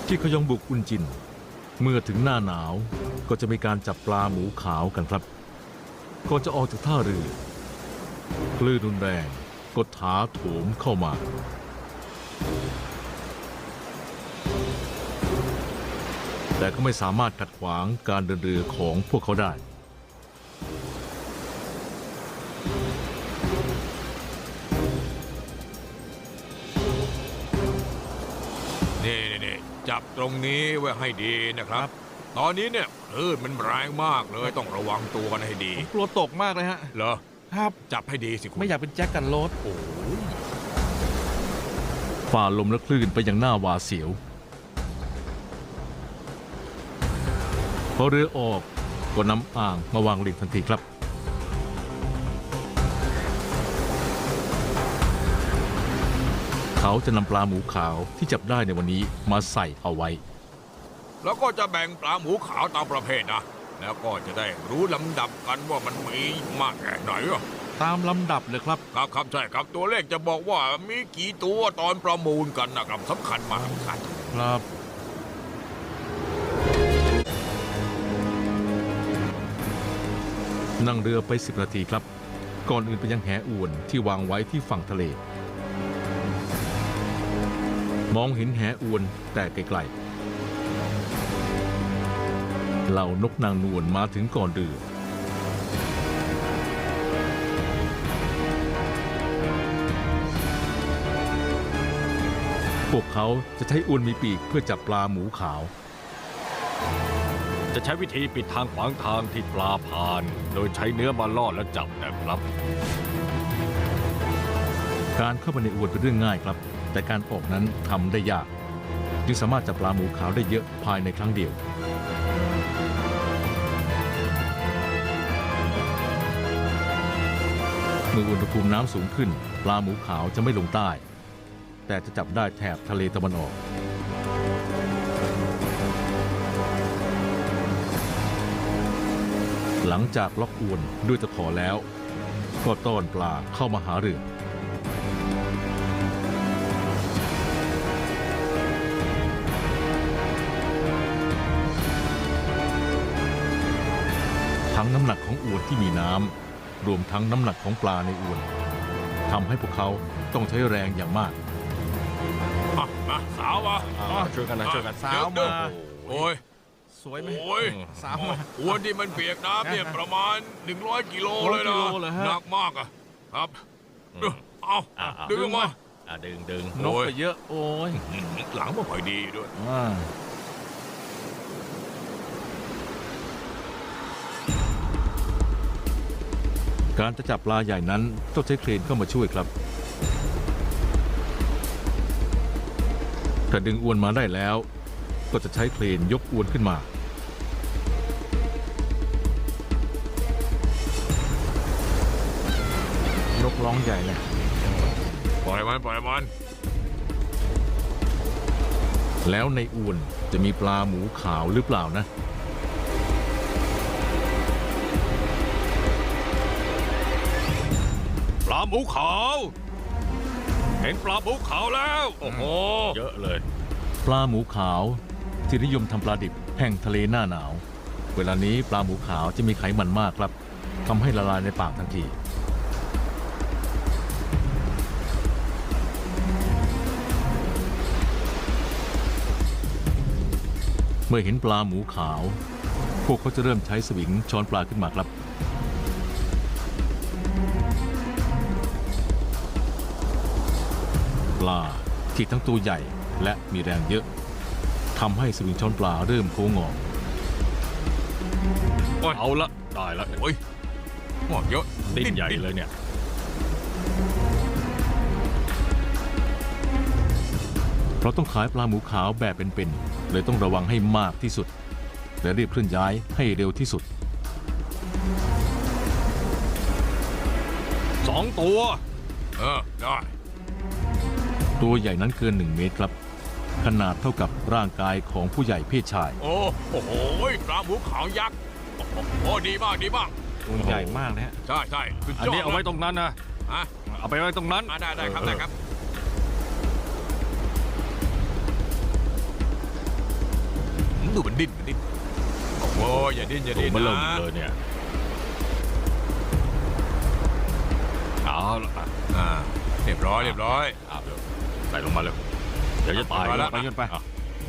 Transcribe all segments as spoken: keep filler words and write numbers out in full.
ที่ขยองบุกอุนจินเมื่อถึงหน้าหนาวก็จะมีการจับปลาหมูขาวกันครับก่อนจะออกจากท่าเรือคลื่นรุนแรงก็ถาโถมเข้ามาแต่ก็ไม่สามารถขัดขวางการเดินเรือของพวกเขาได้นี่นี่จับตรงนี้ไว้ให้ดีนะครับ ตอนนี้เนี่ยคลื่นมันแรงมากเลยต้องระวังตัวกันให้ดีกลัวตกมากเลยฮะเหรอครับจับให้ดีสิคุณไม่อยากเป็นแจ็คกันโรสโอ้ยฝ่าลมและคลื่นไปอย่างหน้าหวาดเสียวพอเรือออกก็นำอ่างมาวางริมทันทีครับเขาจะนำปลาหมูขาวที่จับได้ในวันนี้มาใส่เอาไว้แล้วก็จะแบ่งปลาหมูขาวตามประเภทนะแล้วก็จะได้รู้ลำดับกันว่ามันมีมากแค่ไหนอ่ะตามลำดับเลยครับครับครับใช่ครับตัวเลขจะบอกว่ามีกี่ตัวตอนประมูลกันนะครับสำคัญมากสำคัญครับนั่งเรือไปสิบนาทีครับก่อนอื่นไปยังแหอวนที่วางไว้ที่ฝั่งทะเลมองเห็นแหอวนแต่ไกลๆเหล่านกนางนวลมาถึงก่อนเรือพวกเขาจะใช้อวนมีปีกเพื่อจับปลาหมูขาวจะใช้วิธีปิดทางขวางทางที่ปลาผ่านโดยใช้เนื้อมาล่อและจับนะครับการเข้าไปในอวนเป็นเรื่องง่ายครับแต่การออกนั้นทำได้ยากจึงสามารถจับปลาหมูขาวได้เยอะภายในครั้งเดียวเมื่ออุณหภูมิน้ำสูงขึ้นปลาหมูขาวจะไม่ลงใต้แต่จะจับได้แถบทะเลตะวันออกหลังจากล็อกอวนด้วยตะขอแล้วก็ต้อนปลาเข้ามาหาเรือทั้งน้ำหนักของอวนที่มีน้ำรวมทั้งน้ำหนักของปลาในอวนทำให้พวกเขาต้องใช้แรงอย่างมากมามาสาวมาช่วยกันนะช่วยกันสาวมาโอ้ยสวยไหมโอ้ยสาวมาอวนที่มันเปียกน้ำเนี่ยประมาณหนึ่งร้อยกิโลเลยนะกิโลเลยฮะหนักมากอะครับเอาดึงมาอ่ะดึงดึงนกไปเยอะโอ้ยหลังมันค่อยดีด้วยอ่าการจะจับปลาใหญ่นั้นต้องใช้เครนเข้ามาช่วยครับถ้าดึงอวนมาได้แล้วก็จะใช้เครนยกอวนขึ้นมานกร้องใหญ่เลยปล่อยมันปล่อยมันแล้วในอวนจะมีปลาหมูขาวหรือเปล่านะปลาหมูขาวเห็นปลาหมูขาวแล้วโอ้โหเยอะเลยปลาหมูขาวที่นิยมทำปลาดิบแห่งทะเลหน้าหนาวเวลานี้ปลาหมูขาวจะมีไขมันมากครับทำให้ละลายในปากทันทีเมื่อเห็นปลาหมูขาวพวกเขาจะเริ่มใช้สวิงช้อนปลาขึ้นมาครับปลาที่ทั้งตัวใหญ่และมีแรงเยอะทำให้สวิงช้อนปลาเริ่มโค้งงอเอาละได้ละโอ้ยหมดเยอะดิ้นใหญ่เลยเนี่ยเราต้องขายปลาหมูขาวแบบเป็นๆเลยต้องระวังให้มากที่สุดและรีบเคลื่อนย้ายให้เร็วที่สุดสองตัวเออได้ตัวใหญ่นั้นเกินหนึ่งเมตรครับขนาดเท่ากับร่างกายของผู้ใหญ่เพศชายโอ้โอ้โหปลาหมูขาวยักษ์โอ้โหดีมากดีมากตัวใหญ่มากนะฮะใช่ใช่สุดอันยอดนี้เอาไว้ตรงนั้นนะฮะเอาไปไว้ตรงนั้นอ่าได้ ได้ ครับ ได้ ครับเออโอ้ย โอ้ย ปลาหมูขาวยักษ์ โอ้โห ดีมาก ดีมาก สุดยอดอันนี้เอาไว้ตรงนั้นนะ เอาไปไว้ตรงนั้นอ่าได้ได้ครับได้ครับเออได้ครับดูมันดิ้นมันดิ้นโอ้โหอย่าดิ้นอย่าตัวดิ้นมันเริ่มนะเลยเนี่ยเอาละอ่ะอ่าเรียบร้อยเรียบร้อยเอาเร็วใส่ลงมาเร็วเดี๋ยวจะตายเอาละไปขึ้นไปอ่ะ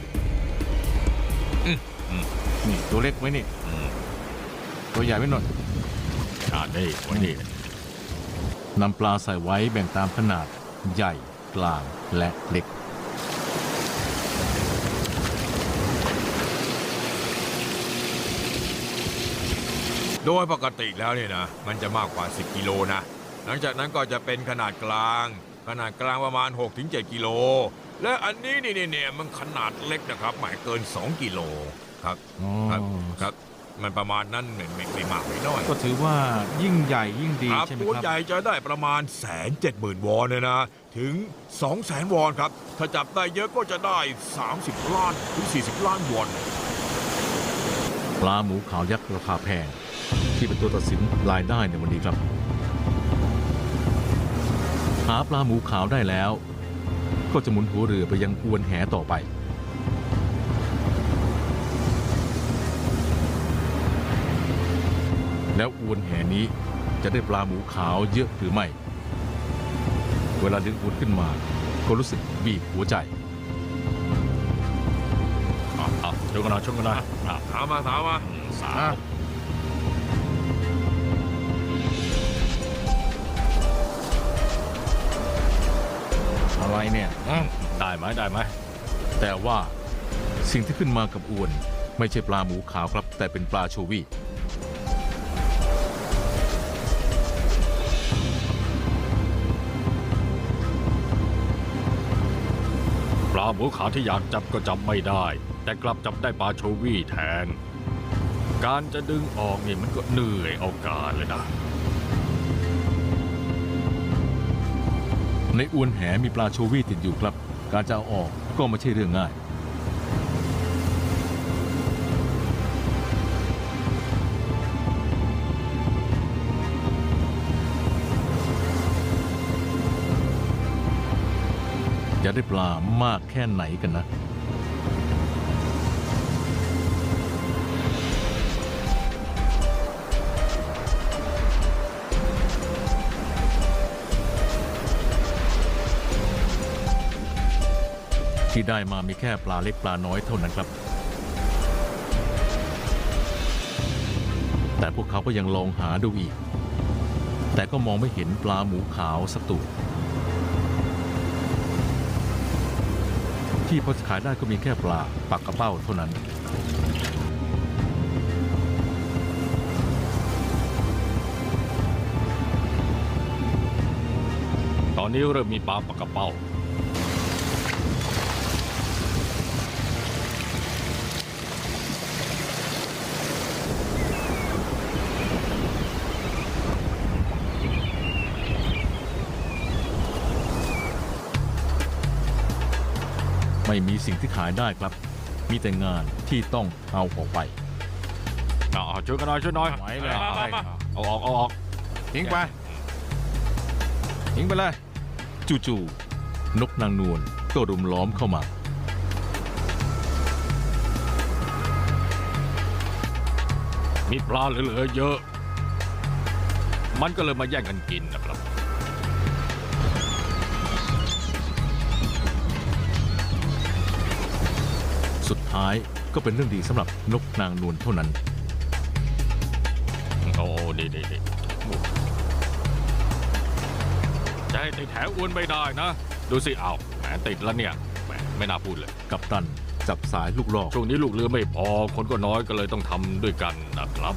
นี่ตัวเล็กไว้นี่อืมตัวใหญ่ไว้หน่อยอ่านี่ไวันนี้นำปลาใส่ไว้แบ่งตามขนาดใหญ่กลางและเล็กโดยปกติแล้วเนี่ยนะมันจะมากกว่าสิบกิโลนะหลังจากนั้นก็จะเป็นขนาดกลาง ขนาดกลางประมาณ หกถึงเจ็ด กิโลและอันนี้นี่เนี่ยมันขนาดเล็กนะครับหมายเกินสองกิโลครับอ๋อครับครับมันประมาณนั้นไม่ไม่ไม่มากไม่น้อยก็ถือว่ายิ่งใหญ่ยิ่งดีครับใช่ไหมตัวครับใหญ่จะได้ประมาณแสนเจ็ดหมื่นวอนเลยนะ ถึงสองแสนวอนครับ ถ้าจับได้เยอะก็จะได้ สามสิบ ล้านถึง สี่สิบ ล้านวอนปลาหมูขาวยักษ์ราคาแพง ที่เป็นตัวตัดสินรายได้ในวันนี้ครับ หาปลาหมูขาวได้แล้ว ก็จะหมุนหัวเรือไปยังอวนแหต่อไป แล้วอวนแหนี้จะได้ปลาหมูขาวเยอะหรือไม่ เวลาดึงอวนขึ้นมา ก็รู้สึกบีบหัวใจอ่ะอ่ะช่วยกันหน่อยช่วยกันหน่อยอ่ะถามมาถามมาอืมสาอ่ะมอะไรเนี่ยอืมได้ไหมได้ไหมแต่ว่าสิ่งที่ขึ้นมากับอวนไม่ใช่ปลาหมูขาวครับ แต่เป็นปลาโชวี่ปลาหมูขาวที่อยากจับก็จับไม่ได้ แต่กลับจับได้ปลาโชวี่แทน การจะดึงออกนี่มันก็เหนื่อยเอาการเลยนะในอวนแหมีปลาโชวี่ติดอยู่ครับ การจะเอาออกก็ไม่ใช่เรื่องง่าย จะได้ปลามากแค่ไหนกันนะ ที่ได้มามีแค่ปลาเล็กปลาน้อยเท่านั้นครับ แต่พวกเขาก็ยังลองหาดูอีก แต่ก็มองไม่เห็นปลาหมูขาวสักตัวที่พอจะขายได้ก็มีแค่ปลาปักกระเป้าเท่านั้นตอนนี้เริ่มมีปลาปากกระเป้าไม่มีสิ่งที่ขายได้ครับ มีแต่งานที่ต้องเอาออกไปอ่ะอ่ะช่วยกันหน่อยช่วยหน่อยไหวเลยมามามาเอาออกเอาออกทิ้งไปทิ้งไปเลยจู่ๆนกนางนวลก็รุมล้อมเข้ามามีปลาเหลือๆเยอะ มันก็เลยมาแย่งกันกินนะครับสุดท้ายก็เป็นเรื่องดีสำหรับนกนางนวลเท่านั้นโอ้ดีดีดีจะให้ติดแถวอ้วนไม่ได้นะ ดูสิเอาแหมติดแล้วเนี่ยแหมไม่น่าพูดเลยกับตันจับสายลูกลอกช่วงนี้ลูกเรือไม่พอ คนก็น้อยก็เลยต้องทำด้วยกันนะครับ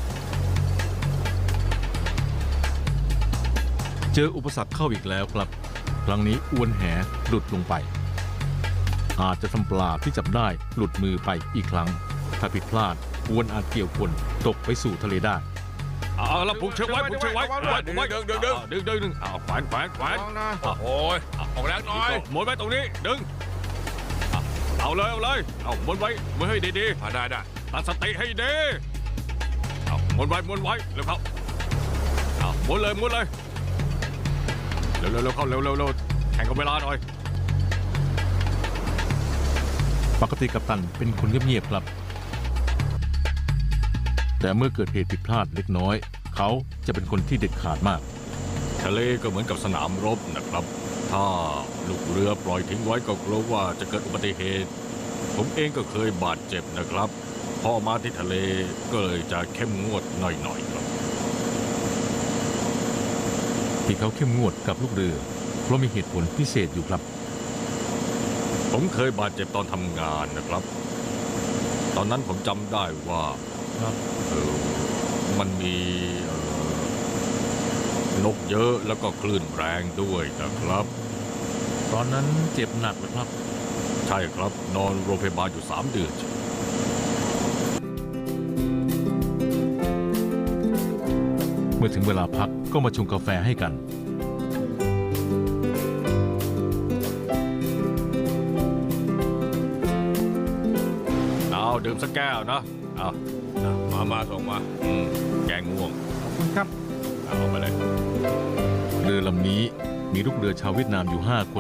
เจออุปสรรคเข้าอีกแล้วครับ ครั้งนี้อวนแหหลุดลงไป อาจจะทำปลาที่จับได้หลุดมือไปอีกครั้ง ถ้าผิดพลาดอวนอาจเกี่ยวคนตกไปสู่ทะเลได้เอาแล้วผูกเชือกไว้ผูกเชือกไว้ดึงไว้ดึงไว้ดึงดึงดึงดึงดึงดึงเอาแขวนแขวนแขวนลองนะโอ้ยออกแรงหน่อยหมุนไว้ตรงนี้ดึงอ่ะเอาเลยเอาเลยเอาหมุนไว้หมุนให้ดีอ่ะได้ได้ๆตั้งสติให้ดีเอาหมุนไว้หมุนไว้เร็วเข้าเอาหมุนเลยหมุนเลยเร็วเร็วเร็วเข้าเร็วเร็วเร็วแข่งกับเวลาหน่อยปกติกัปตันเป็นคนเงียบๆครับแต่เมื่อเกิดเหตุผิดพลาดเล็กน้อย เขาจะเป็นคนที่เด็ดขาดมากทะเลก็เหมือนกับสนามรบนะครับ ถ้าลูกเรือปล่อยทิ้งไว้ก็กลัวว่าจะเกิดอุบัติเหตุ ผมเองก็เคยบาดเจ็บนะครับ พอมาที่ทะเลก็เลยจะเข้มงวดหน่อยๆครับที่เขาเข้มงวดกับลูกเรือเพราะมีเหตุผลพิเศษอยู่ครับผมเคยบาดเจ็บตอนทำงานนะครับ ตอนนั้นผมจำได้ว่าครับเออมันมีเอ่อนกเยอะแล้วก็คลื่นแรงด้วยนะครับตอนนั้นเจ็บหนักเลยครับใช่ครับนอนโรงพยาบาลอยู่สามเดือนเมื่อถึงเวลาพักก็มาชงกาแฟให้กันเอาดื่มสักแก้วนะเอามามาส่งมาอืมแกงง่วงขอบคุณครับเอาไปเลยเรือลำนี้มีลูกเรือชาวเวียดนามอยู่ห้าคน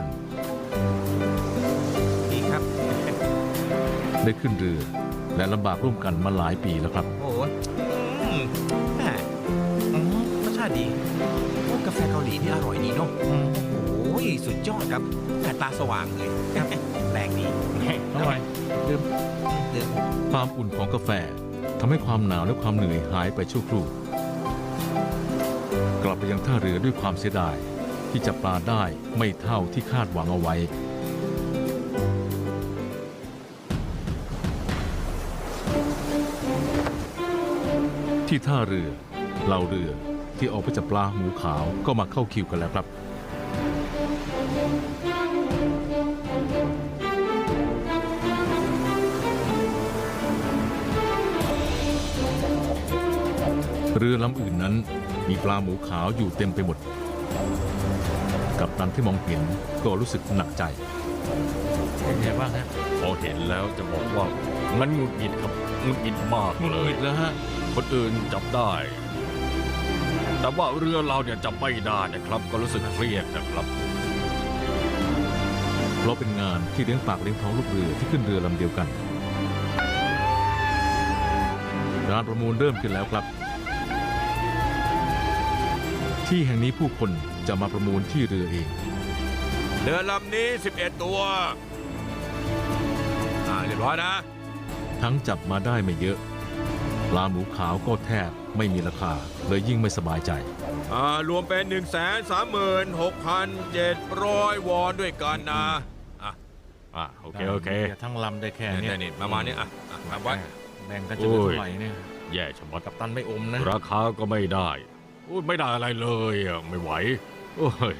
ดีครับได้ขึ้นเรือและลำบากร่วมกันมาหลายปีแล้วครับโอ้โหอืมแหมอืมรสชาติดีโอ้กาแฟเกาหลีนี่อร่อยดีเนาะโอ้ยสุดยอดครับแตาสว่างเลยแรงดีอร่อยดื่มดื่มความอุ่นของกาแฟทำให้ความหนาวและความเหนื่อยหายไปชั่วครู่ กลับไปยังท่าเรือด้วยความเสียดายที่จับปลาได้ไม่เท่าที่คาดหวังเอาไว้ ที่ท่าเรือเหล่าเรือที่ออกไปจับปลาหมูขาวก็มาเข้าคิวกันแล้วครับ เรือลำอื่นนั้นมีปลาหมูขาวอยู่เต็มไปหมด กัปตันที่มองเห็นก็รู้สึกหนักใจ เป็นไงบ้างฮะพอเห็นแล้วจะบอกว่ามันหงุดหงิดครับหงุดหงิดมากหงุดเลหงิยดแล้วฮะคนอื่นจับได้ แต่ว่าเรือเราเนี่ยจับไม่ได้นะครับ ก็รู้สึกเครียดนะครับเพราะเป็นงานที่เลี้ยงปากเลี้ยงท้องลูกเรือที่ขึ้นเรือลำเดียวกันการประมูลเริ่มขึ้นแล้วครับ ที่แห่งนี้ผู้คนจะมาประมูลที่เรือเองเรือลำนี้สิบเอ็ดตัวอ่าเรียบร้อยนะทั้งจับมาได้ไม่เยอะ ปลาหมูขาวก็แทบไม่มีราคาเลยยิ่งไม่สบายใจอ่ารวมเป็น หนึ่งแสนสามหมื่นหกพันเจ็ดร้อย วอนด้วยกันนะอ่ะอ่ะโอเคโอเคทั้งลำได้แค่นี่นี้นี่ประมาณนี้อ่ะอ่ะทำไว้แบ่งกันจะเหลือเท่าไหร่เนี่ยแย่ชะมัดกัปตันไม่อมนะราคาก็ไม่ได้อุ๊ยไม่ได้อะไรเลยอ่ะไม่ไหวโอ้ย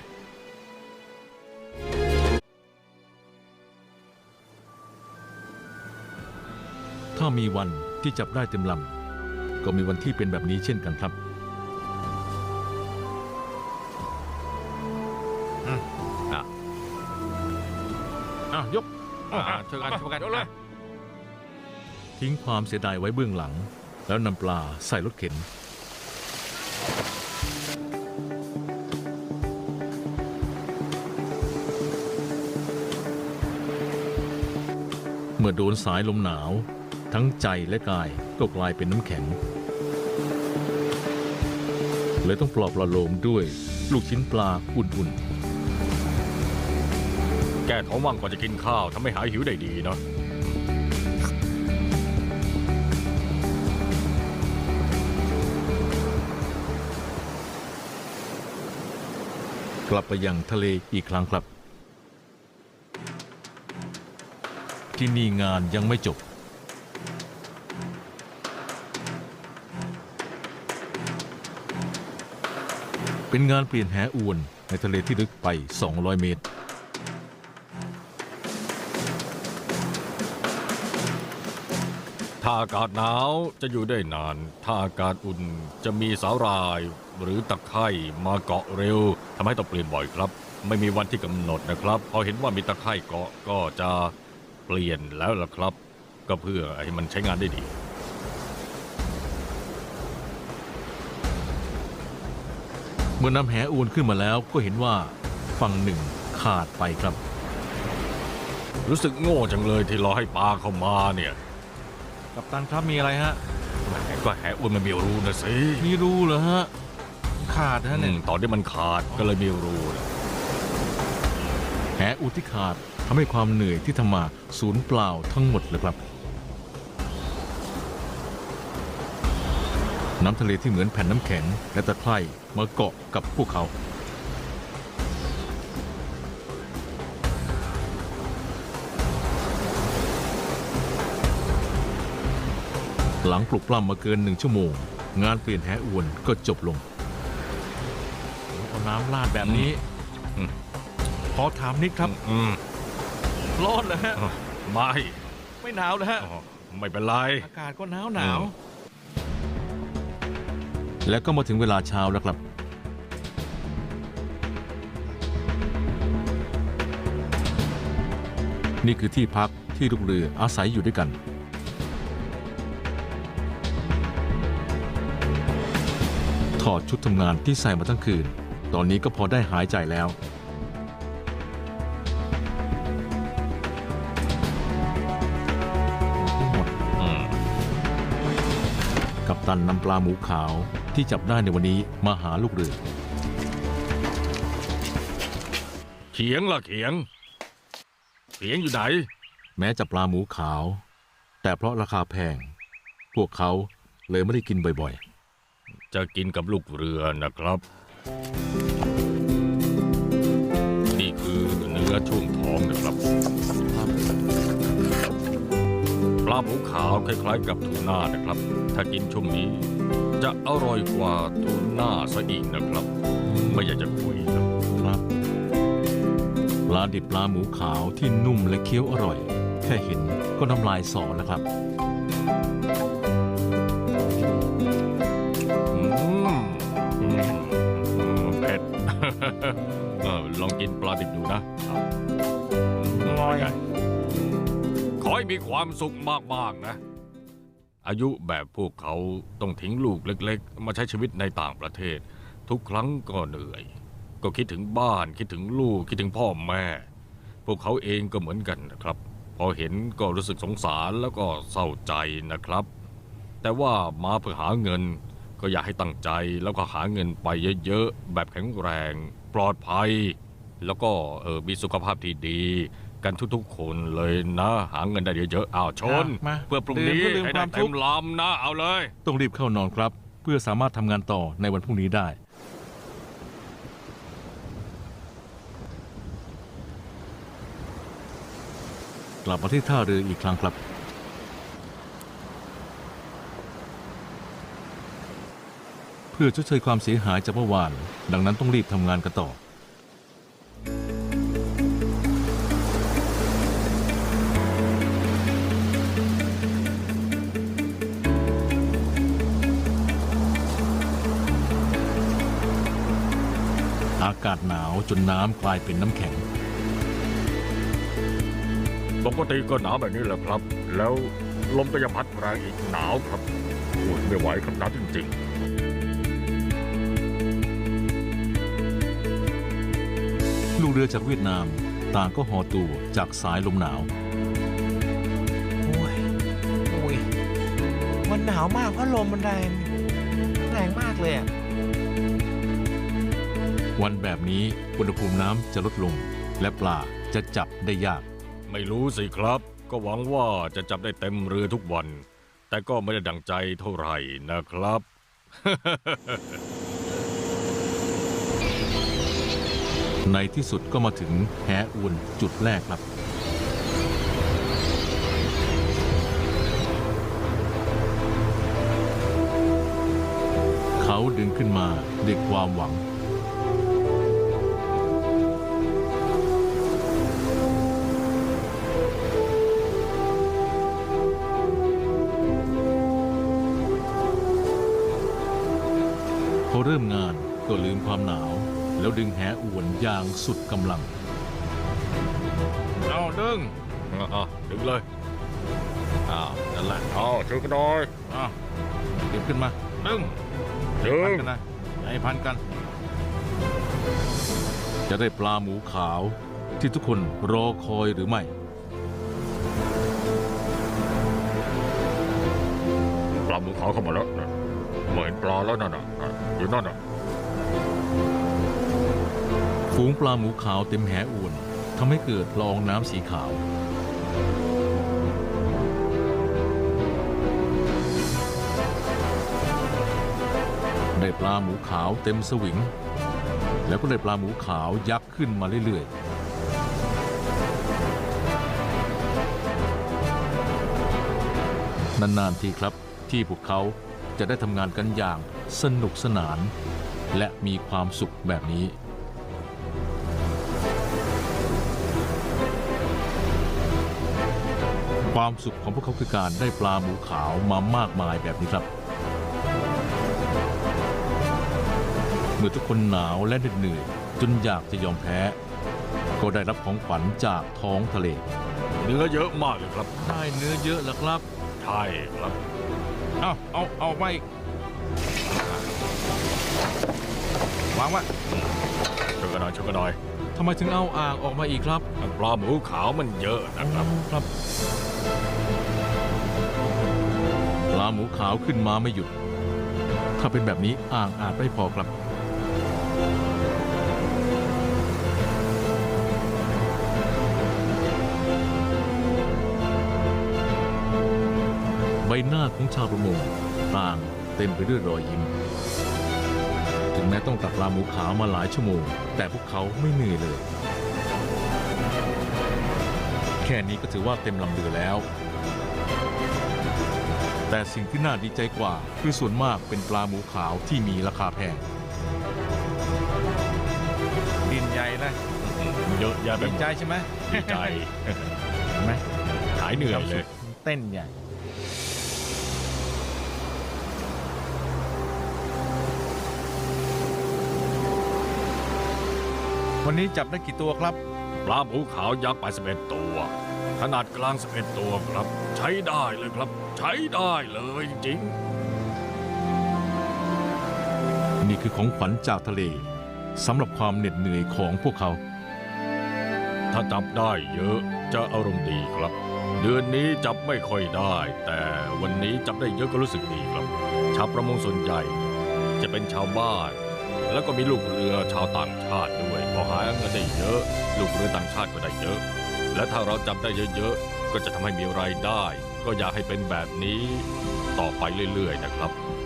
ถ้ามีวันที่จับได้เต็มลำก็มีวันที่เป็นแบบนี้เช่นกันครับอ่ะยกอ่ะช่วยกันช่วยกันยกเลยทิ้งความเสียดายไว้เบื้องหลัง แล้วนำปลาใส่รถเข็น เมื่อโดนสายลมหนาว ทั้งใจและกายก็กลายเป็นน้ำแข็งเลยต้องปลอบประโลมด้วยลูกชิ้นปลาอุ่นๆแก้ท้องว่างก่อนจะกินข้าวทำให้หายหิวได้ดีเนาะกลับไปยังทะเลอีกครั้งครับ ที่นี่งานยังไม่จบ เป็นงานเปลี่ยนแหอวนในทะเลที่ลึกไป สองร้อย เมตรถ้าอากาศหนาวจะอยู่ได้นาน ถ้าอากาศอุ่นจะมีสาหร่ายหรือตะไคร่มาเกาะเร็วทำให้ต้องเปลี่ยนบ่อยครับ ไม่มีวันที่กำหนดนะครับ พอเห็นว่ามีตะไคร่เกาะก็จะเปลี่ยนแล้วล่ะครับ ก็เพื่อให้มันใช้งานได้ดีเมื่อนำแหอวนขึ้นมาแล้วก็เห็นว่าฝั่งหนึ่งขาดไปครับรู้สึกโง่จังเลยที่รอให้ปลาเข้ามาเนี่ยกัปตันครับมีอะไรฮะผแหมก็แหอ้วนมันมีรูนะสิมีรูเหรอฮะ ขาดนะอืเนี่ยมตอนที่มันขาดก็เลยมีรูนะแหอุดที่ขาดทำให้ความเหนื่อยที่ทำมาสูญเปล่าทั้งหมดเลยครับ น้ำทะเลที่เหมือนแผ่นน้ำแข็งและตะไคร่มาเกาะกับพวกเขา หลังปลุกปล้ำมาเกินหนึ่งชั่วโมง งานเปลี่ยนแหอวนก็จบลงเอาน้ำราดแบบนี้อืมขอถามนิดครับอืมร้อนเหรอฮะอ่ะไม่ไม่หนาวเหรอฮะอ๋อไม่เป็นไรอากาศก็หนาวหนาวอืมแล้วก็มาถึงเวลาเช้าแล้วครับ นี่คือที่พักที่ลูกเรืออาศัยอยู่ด้วยกัน ถอดชุดทำงานที่ใส่มาทั้งคืน ตอนนี้ก็พอได้หายใจแล้ว หมดอืมกัปตันนำปลาหมูขาวที่จับได้ในวันนี้มาหาลูกเรือเขียงล่ะเขียง เขียงอยู่ไหนแม้จะปลาหมูขาว แต่เพราะราคาแพง พวกเขาเลยไม่ได้กินบ่อยจะกินกับลูกเรือนะครับ นี่คือเนื้อช่วงท้องนะครับ ปลาหมูขาวคล้ายๆกับทูน่านะครับ ถ้ากินช่วงนี้ จะอร่อยกว่าทูน่าซะอีกนะครับ ไม่อยากจะคุยครับๆครับปลาดิบปลาหมูขาวที่นุ่มและเคี้ยวอร่อย แค่เห็นก็น้ำลายสอแล้วครับอืมอืมอืมเผ็ด เออลองกินปลาดิบดูนะอร่อยเป็นไงขอให้มีความสุขมากๆนะ อายุแบบพวกเขาต้องทิ้งลูกเล็กๆ มาใช้ชีวิตในต่างประเทศ ทุกครั้งก็เหนื่อย ก็คิดถึงบ้านคิดถึงลูกคิดถึงพ่อแม่ พวกเขาเองก็เหมือนกันนะครับ พอเห็นก็รู้สึกสงสารแล้วก็เศร้าใจนะครับ แต่ว่ามาเพื่อหาเงิน ก็อยากให้ตั้งใจแล้วก็หาเงินไปเยอะๆแบบแข็งแรงปลอดภัย แล้วก็เออมีสุขภาพที่ดี กันทุกๆคนเลยนะ หาเงินได้เยอะๆอ้าวชนมาเพื่อพรุ่งนี้ดื่มเพื่อลืมให้คได้วามทุเต็กข์มลำนะเอาเลยต้องรีบเข้านอนครับ เพื่อสามารถทำงานต่อในวันพรุ่งนี้ได้ กลับมาที่ท่าเรืออีกครั้งครับ เพื่อชดเชยความเสียหายจากเมื่อวาน ดังนั้นต้องรีบทำงานกันต่อ อากาศหนาวจนน้ำกลายเป็นน้ำแข็งปกติก็หนาวแบบนี้แหละครับ แล้วลมก็ยังพัดแรงอีกหนาวครับโอ้ยไม่ไหวครับหนาวจริงลูกเรือจากเวียดนามต่างก็ห่อตัวจากสายลมหนาวโอ้ยโอ้ยมันหนาวมากเพราะลมมันแรง แรงมากเลยอะวันแบบนี้อุณหภูมิน้ำจะลดลง และปลาจะจับได้ยากๆ ไม่รู้สิครับ ก็หวังว่าจะจับได้เต็มเรือทุกวัน แต่ก็ไม่ได้ดังใจเท่าไหร่นะครับในที่สุดก็มาถึงแหอวนจุดแรกครับ เขาดึงขึ้นมาด้วยความหวัง พอเริ่มงานก็ลืมความหนาว แล้วดึงแหอวนอย่างสุดกำลังเอาดึงอ่ะดึงเลยอ้าวนั่นแหละเอาช่วยกันหน่อยอ้าวเก็บขึ้นมาดึงดึพันงกันนะให้พันกัน จะได้ปลาหมูขาวที่ทุกคนรอคอยหรือไม่ปลาหมูขาวเข้ามาแล้วนะเหมือนปลาแล้วนั่นน่ะอ่ะอยู่นั่นน่ะฝูงปลาหมูขาวเต็มแหอวนทำให้เกิดละอองน้ำสีขาว ได้ปลาหมูขาวเต็มสวิง แล้วก็ได้ปลาหมูขาวยักษ์ขึ้นมาเรื่อยๆ นานๆทีครับที่พวกเขาจะได้ทำงานกันอย่างสนุกสนาน และมีความสุขแบบนี้ ความสุขของพวกเขาคือการได้ปลาหมูขาวมามากมายแบบนี้ครับ เมื่อทุกคนหนาวและเหน็ดเหนื่อยจนอยากจะยอมแพ้ ก็ได้รับของขวัญจากท้องทะเลเนื้อเยอะมากเลยครับได้เนื้อเยอะแล้วครับใช่ครับเอาเอาเอาไปวางไว้ช่วยกันหน่อยช่วยกันหน่อยทำไมถึงเอาอ่างออกมาอีกครับปลาหมูขาวมันเยอะนะครับครับ ปลาหมูขาวขึ้นมาไม่หยุด ถ้าเป็นแบบนี้อ่างอาจไม่พอครับ ใบหน้าของชาวประมงต่างเต็มไปด้วยรอยยิ้ม ถึงแม้ต้องตักปลาหมูขาวมาหลายชั่วโมง แต่พวกเขาไม่เหนื่อยเลย แค่นี้ก็ถือว่าเต็มลำเรือแล้ว แต่สิ่งที่น่าดีใจกว่าคือส่วนมากเป็นปลาหมูขาวที่มีราคาแพงดินใหญ่นะเยอะแยะไปดีหมดใจใช่ไหมดีใจเห็นไหมหายเหนื่อยเลยเต้นใหญ่ วันนี้จับได้กี่ตัวครับปลาหมูขาวยักษ์ไปสิบเอ็ดตัว ขนาดกลางสิบเอ็ดตัวครับ ใช้ได้เลยครับ ใช้ได้เลยจริงนี่คือของขวัญจากทะเลสำหรับความเหน็ดเหนื่อยของพวกเขาถ้าจับได้เยอะจะอารมณ์ดีครับ เดือนนี้จับไม่ค่อยได้ แต่วันนี้จับได้เยอะก็รู้สึกดีครับ ชาวประมงส่วนใหญ่ จะเป็นชาวบ้าน แล้วก็มีลูกเรือชาวต่างชาติด้วยพอหาเงินได้เยอะ ลูกเรือต่างชาติก็ได้เยอะ และถ้าเราจับได้เยอะๆก็จะทำให้มีรายได้ ก็อยากให้เป็นแบบนี้ต่อไปเรื่อยๆนะครับ